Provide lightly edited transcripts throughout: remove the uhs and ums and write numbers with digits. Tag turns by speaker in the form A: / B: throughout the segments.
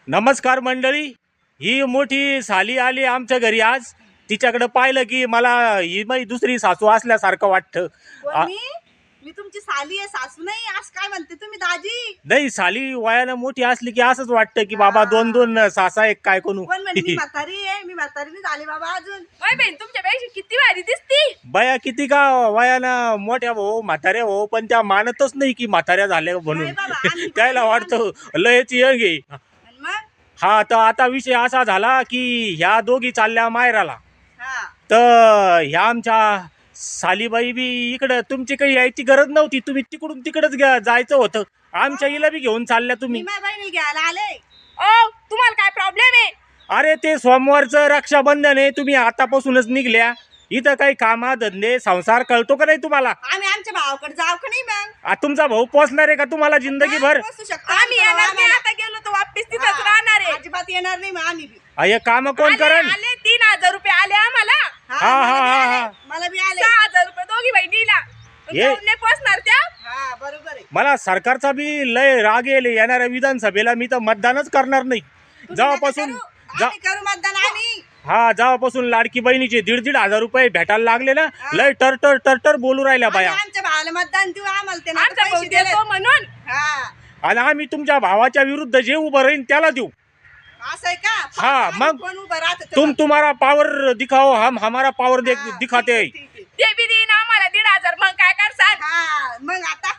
A: नमस्कार मंडळी. ही मोठी साली आली आमच्या घरी आज. तिच्याकडे पाहिलं की मला ही माझी दुसरी सासू असल्यासारखं वाटतं.
B: कोण मी तुमची साली आहे, सासू नाही. आज काय म्हणते तुम्ही दाजी?
A: नाही, साली वयानं मोठी असली की असंच वाटतं की बाबा दोन दोन सासा एक काय कोणू.
B: कोण म्हणते मी म्हातारी आहे? मी म्हातारी नाही झाली बाबा अजून.
C: ओय बहीण, तुमच्यापेक्षा किती भारी दिसती.
A: बया किती का वयानं मोठ्या भाऊ म्हाताऱ्या भाऊ, पण त्या मानतच नाही की म्हाताऱ्या झाल्या म्हणून.
B: नाही बाबा, आम्ही
A: त्याला वाटतं लयच यंग आहे.
B: आणि मग
A: हा, तर आता विषय असा झाला की ह्या दोघी चालल्या मायराला.
B: हा
A: तर ह्या आमच्या सालीबाई बी इकडं, तुमची काही यायची गरज नव्हती. तुम्ही तिकडून तिकडच जायचं होतं. आमच्या हिला बी घेऊन चालल्या
B: मी
A: तुम्ही.
B: माझ्या बहिणी घ्यायला आले.
C: ओ, तुम्हाला काय प्रॉब्लेम आहे?
A: अरे ते सोमवारचं रक्षाबंधन आहे, तुम्ही आतापासूनच निघल्या. इथं काही कामा धंदे संसार कळतो का नाही तुम्हाला?
B: आम्ही आमच्या भावाकडे जाऊ का नाही मग?
A: तुमचा भाऊ पोचणार आहे का तुम्हाला जिंदगीभर?
B: बसू शकतो
C: आम्ही
B: आमचा भाऊ
C: येणार नाही.
B: आम्हाला.
C: आता गेलो तर वापस तिथंच
B: हा,
C: राहणार आहे.
B: अजिबात येणार नाही मग आम्ही बी.
A: हे काम कोण करण?
C: आले 3000 रुपये आले आम्हाला.
A: हा,
B: मला बी
A: हा,
B: आले.
A: हा.
B: मला बी आले.
C: 6000 रुपये दोघी बहिणीला.
A: ये.
C: जाऊन नाही पोचणार त्या.
B: हा बरोबर आहे.
A: मला सरकारचा बी लय राग येईल. येणाऱ्या विधानसभेला मी तर मतदानच करणार नाही.
B: तुम्ही
A: जेव्हापासून
B: नका करू. आम्ही करू मतदान आम्ही.
A: जेव्हापासून लाडकी बहिणीचे 1,500 रुपये भेटायला लागले ना, लय टरटर टरटर बोलू राहिल्या
B: आम्ही
A: बाया.
B: आमच्या भावाला मतदान देऊ. आम्हाला ते
C: आमचा भाऊ
B: पैसे दिले.
C: देतो म्हणून.
B: हा
A: आणि आम्ही तुमच्या भावाच्या विरुद्ध जे उभं राहीन त्याला देऊ.
B: असं आहे का?
A: हा,
B: आम्ही
A: मग
B: कोण उभं राहतं
A: तुम
B: तेव्हा?
A: तुम्हारा पावर दिखाओ, हम हमारा पावर
B: हा,
A: दिखाते हैं.
B: ठीक आहे.
C: ते बी देईन आम्हाला 1500. मग काय करसाल?
B: हा मग आता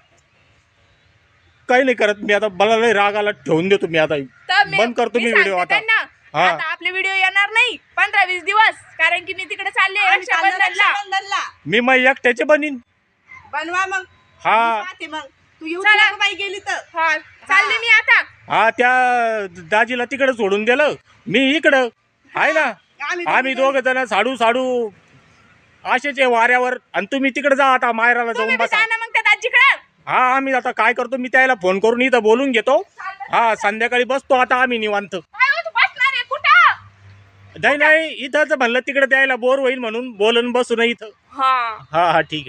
A: काही नाही करत मी आता. मला लय राग आला, ठेवून देतो मी आता.
C: तर
A: बंद करतो मी व्हिडिओ
C: सांगते
A: आता.
C: त्यांना,
A: हा.
C: आता आपले व्हिडिओ येणार नाही 15-20 दिवस, कारण की मी तिकडे चालले
B: आम्ही चाललो
C: रक्षाबंधनला.
B: रक्षाबंधनला.
A: मी मग एकट्याचे बनीन.
B: बनवा मग.
A: हा.
B: मी पाहते मग. तू येऊ
C: चला.
B: नको बाई गेली तर.
C: हा, चालले मी आता.
A: त्या दाजीला तिकडे सोडून दिलं, मी इकडं आहे ना. आम्ही दोघ जण साडू साडू असेच आहे वाऱ्यावर. आणि तुम्ही तिकडे जा आता, मायराला
C: तुम्ही
A: जाऊन
C: बी
A: बसा.
C: जा ना मग त्या दाजीकडे.
A: हा, आम्ही आता काय करतो, मी त्याला फोन करून इथं बोलून घेतो. हा, संध्याकाळी बसतो आता आम्ही निवांत.
C: काय हो, तू बसणार आहे कुठं?
A: नाही नाही, इथंच म्हणलं, तिकडे द्यायला बोर होईल म्हणून बोलून बसू नये इथं.
C: हा
A: हा हा, ठीक आहे.